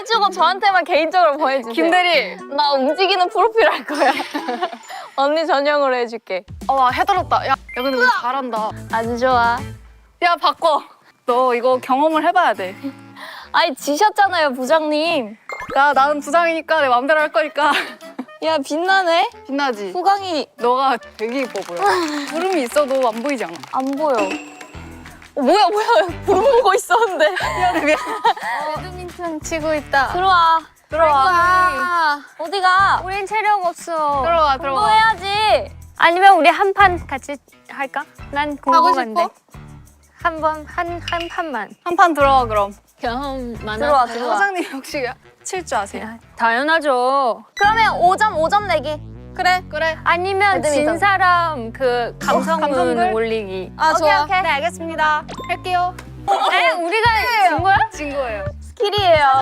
해주고 저한테만 개인적으로 보내주세요. 김대리. 나 움직이는 프로필 할 거야. 언니 전용으로 해줄게. 해달았다. 야 근데 너 잘한다. 아주 좋아. 야 바꿔. 너 이거 경험을 해봐야 돼. 아니 지셨잖아요 부장님. 야 나는 부장이니까 내 맘대로 할 거니까. 야 빛나네? 빛나지? 후광이 너가 되게 이뻐 보여. 구름이 있어도 안 보이지 않아? 안 보여. 뭐야 구름 보고 있었는데. 미안해 미안. 배드민턴 치고 있다. 들어와. 어디가? 우린 체력 없어. 들어와 또 들어와. 해야지. 아니면 우리 한 판 같이 할까? 난 궁금한데. 싶어? 한 판만. 한 판 들어와 그럼. 경험 들어와. 사장님 혹시 칠 줄 아세요? 당연하죠. 그러면 5점 내기. 그래. 아니면 배드민턴. 진 사람 그 감성문 감성글? 올리기. 아 좋아. 오케이. 네 알겠습니다. 할게요. 우리가 진 거야? 진 거예요. 스킬이에요.